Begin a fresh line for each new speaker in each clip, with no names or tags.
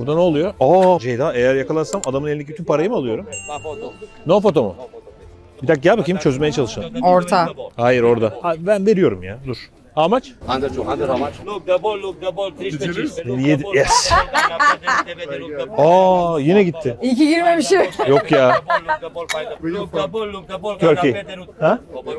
Burada ne oluyor? Aa Ceyda, eğer yakalarsam adamın elindeki bütün parayı mı alıyorum? No foto mu? Bir dakika gel bakayım, çözmeye çalışalım.
Orta.
Hayır orada. Ha, ben veriyorum ya, dur. How much?
Under 200, how much?
Look the ball,
Yedi. Yes. Aa yine gitti.
İyi ki girmemişim.
Yok ya. Turkey. Ha?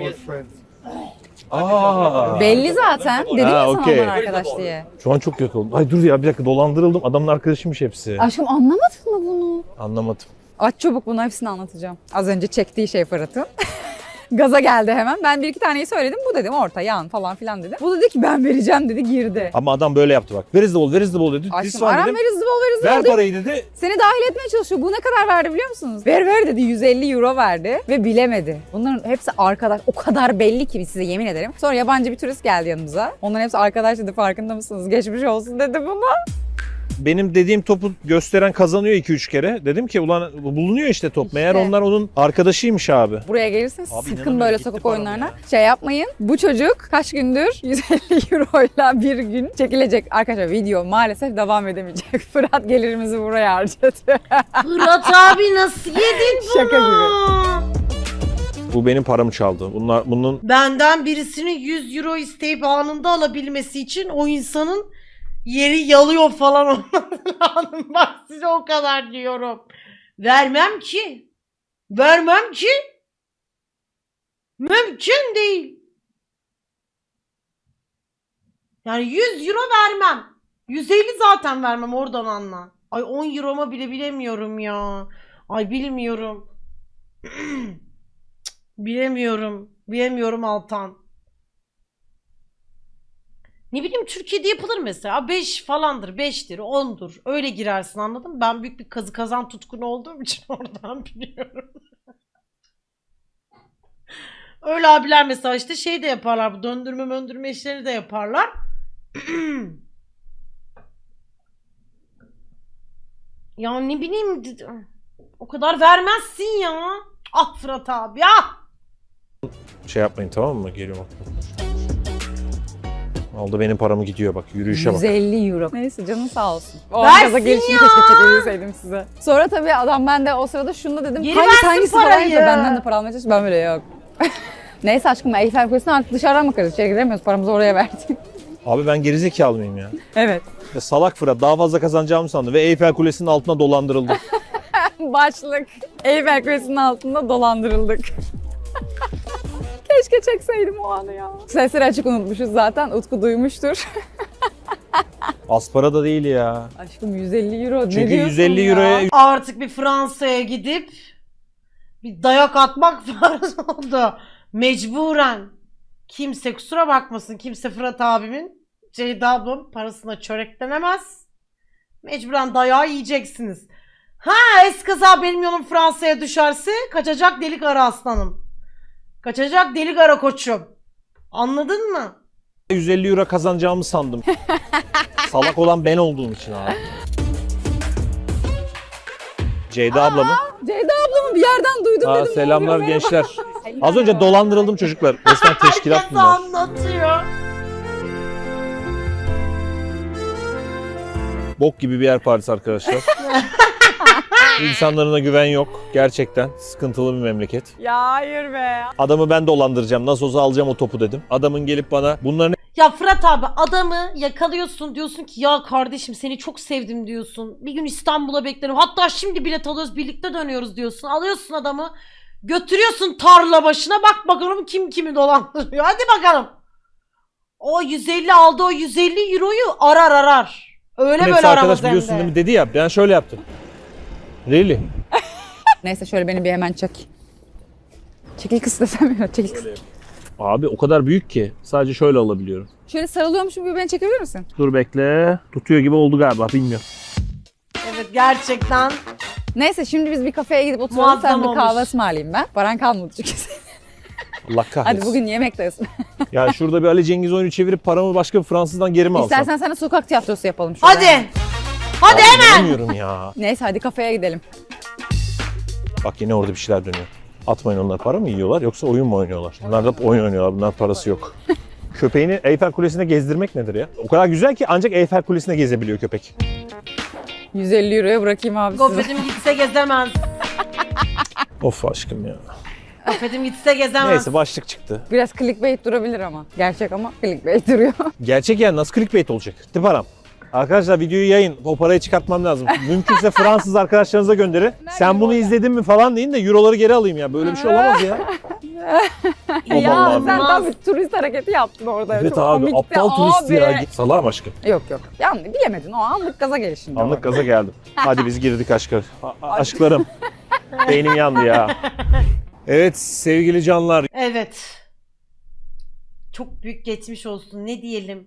Aa.
Belli zaten. Dedim ya sana
okey.
ondan arkadaş diye.
Şu an çok kötü oldum. Ay dur ya, bir dakika, dolandırıldım. Adamın arkadaşıymış hepsi.
Aşkım anlamadın mı bunu?
Anlamadım.
Aç çabuk, bunu hepsini anlatacağım. Az önce çektiği şey Fırat'ın. Gaza geldi hemen. Ben bir iki taneyi söyledim. Bu dedim orta, yan falan filan dedim. Bu dedi ki ben vereceğim dedi, girdi.
Ama adam böyle yaptı bak. Where is the ball? Where is the ball dedi. This
Aşkım
one
aram
dedim.
ver hızlı bol, ver hızlı
Ver
bol diyor.
parayı dedi.
Seni dahil etmeye çalışıyor. Bu ne kadar verdi biliyor musunuz? Ver dedi, 150 euro verdi ve bilemedi. Bunların hepsi arkadaş. O kadar belli ki size yemin ederim. Sonra yabancı bir turist geldi yanımıza. Onların hepsi arkadaş dedi, farkında mısınız? Geçmiş olsun dedi buna.
Benim dediğim topu gösteren kazanıyor 2-3 kere. Dedim ki ulan bulunuyor işte top.
İşte.
Meğer onlar onun arkadaşıymış abi.
Buraya gelirseniz
Abi
sakın
inanamıyorum,
böyle
gitti
sokak
param
oyunlarına
ya.
şey yapmayın. Bu çocuk kaç gündür 150 euroyla bir gün çekilecek. Arkadaşlar video maalesef devam edemeyecek. Fırat gelirimizi buraya harcadı.
Fırat abi nasıl yedin bunu?
Şaka gibi.
Bu benim paramı çaldı. Bunun
Benden birisinin 100 euro isteyip anında alabilmesi için o insanın yeri yalıyor falan olması lazım. Bak size o kadar diyorum. Vermem ki. Vermem ki. Mümkün değil. Yani 100 euro vermem. 150 zaten vermem, oradan anla. Ay 10 euroma bile bilemiyorum ya. Ay bilmiyorum. Bilemiyorum. Bilemiyorum Altan. Ne bileyim, Türkiye'de yapılır mesela. 5 falandır, 5'tir, 10'dur. Öyle girersin, anladın mı? Ben büyük bir kazı kazan tutkunu olduğum için oradan biliyorum. Öyle abiler mesela işte şey de yaparlar. Bu döndürme işleri de yaparlar. Ya ne bileyim, o kadar vermezsin ya. Ah Fırat abi ya.
şey yapmayın, tamam mı? Geliyorum. Aldı benim paramı, gidiyor bak. Yürüyüşe bak.
150 euro. Neyse canın sağ olsun. O
Versin
gaza gelişini
ya.
keşke çekebilseydim size. Sonra tabii adam, ben de o sırada şunu da dedim.
Geri versin
paraysa
parayı.
benden de para almaya çalıştı. Ben böyle yok. Neyse aşkım, Eyfel Kulesi'ne artık dışarıdan bakarız. İçeri giremiyoruz. Paramızı oraya verdik.
Abi ben gerizekalı mıyım ya?
Evet.
Ya salak Fırat daha fazla kazanacağımı sandı ve Eyfel Kulesi'nin altına dolandırıldı.
Başlık. Eyfel Kulesi'nin altında dolandırıldık. Keşke çekseydim o anı ya. Sesleri açık unutmuşuz zaten. Utku duymuştur.
Az para da değil ya.
Aşkım 150 euro.
Çünkü
ne diyorsun
150
ya?
euroya
Artık bir Fransa'ya gidip bir dayak atmak farz oldu. Mecburen. Kimse kusura bakmasın. Kimse Fırat abimin, Ceyda ablamın parasına çöreklenemez. Mecburen dayağı yiyeceksiniz. Ha eskaza benim yolum Fransa'ya düşerse kaçacak delik ara aslanım. Kaçacak delik ara koçum. Anladın mı?
150 euro kazanacağımı sandım. Salak olan ben olduğum için abi. Ceyda ablamı.
Ceyda ablamı bir yerden duydum
Aa,
dedim.
selamlar
ne oluyor,
gençler.
merhaba.
Az önce dolandırıldım çocuklar. Resmen teşkilat
Herkes
bunlar.
anlatıyor.
Bok gibi bir yer Paris arkadaşlar. İnsanlarına güven yok. Gerçekten sıkıntılı bir memleket.
Ya hayır be.
Adamı ben dolandıracağım. Nasıl olsa alacağım o topu dedim. Adamın gelip bana bunların
Ya Fırat abi, adamı yakalıyorsun, diyorsun ki ya kardeşim seni çok sevdim diyorsun. Bir gün İstanbul'a beklerim. Hatta şimdi bilet alıyoruz, birlikte dönüyoruz diyorsun. Alıyorsun adamı, götürüyorsun tarla başına, bak bakalım kim kimi dolandırıyor. Hadi bakalım. O 150 aldı, o 150 euroyu arar. Öyle
hepsi
böyle
arkadaş
aramaz hem
biliyorsun
de.
değil mi? Dedi ya, ben şöyle yaptım. Really?
Neyse şöyle beni bir hemen çek. Çekil kız desem ya, çekil kız.
Abi o kadar büyük ki sadece şöyle alabiliyorum.
Şöyle sarılıyormuşum gibi beni çekebilir misin?
Dur bekle. Tutuyor gibi oldu galiba, bilmiyorum.
Evet gerçekten.
Neyse şimdi biz bir kafeye gidip oturalım.
Muazzam
Sen bir kahve
olmuş.
ısmarlayayım ben. Paran kalmadı çünkü.
Allah kahretsin.
Hadi bugün yemekteyiz.
Ya şurada bir Ali Cengiz oyunu çevirip paramı başka bir Fransızdan geri mi alsam?
İstersen sana sokak tiyatrosu yapalım şurada.
Hadi. Hadi
Abi
hemen.
inanamıyorum ya.
Neyse hadi kafeye gidelim.
Bak yine orada bir şeyler dönüyor. Atmayın, onlar para mı yiyorlar yoksa oyun mu oynuyorlar? Bunlar da oyun oynuyorlar, bunlar parası yok. Köpeğini Eyfel Kulesi'ne gezdirmek nedir ya? O kadar güzel ki ancak Eyfel Kulesi'ne gezebiliyor köpek.
150 euroya bırakayım abi size.
Gofretim gitse gezemez.
Of aşkım ya.
Gofretim gitse gezemez.
Neyse başlık çıktı.
Biraz clickbait durabilir ama. Gerçek ama clickbait duruyor.
Gerçek yani nasıl clickbait olacak? Gitti param. Arkadaşlar videoyu yayın. O parayı çıkartmam lazım. Mümkünse Fransız arkadaşlarınıza gönderin. Sen bunu izledin mi falan deyin de euroları geri alayım ya. Böyle bir şey olamaz ya.
Ya
Vallahi
sen
olmaz.
tam bir turist hareketi yaptın orada.
Evet
Çok
abi
komikti
aptal turist
abi.
ya. Salam aşkım.
Yok yok. Yani bilemedin o anlık gaza gelişinde.
Anlık gaza geldim. Hadi biz girdik aşklar. Aşklarım. Beynim yandı ya. Evet sevgili canlar.
Evet. Çok büyük geçmiş olsun. Ne diyelim?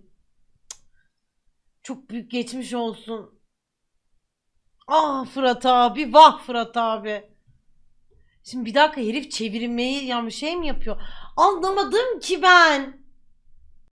Çok büyük geçmiş olsun. Ah Fırat abi, vah Fırat abi. Şimdi bir dakika herif çevirmeyi yani şey mi yapıyor? Anlamadım ki ben.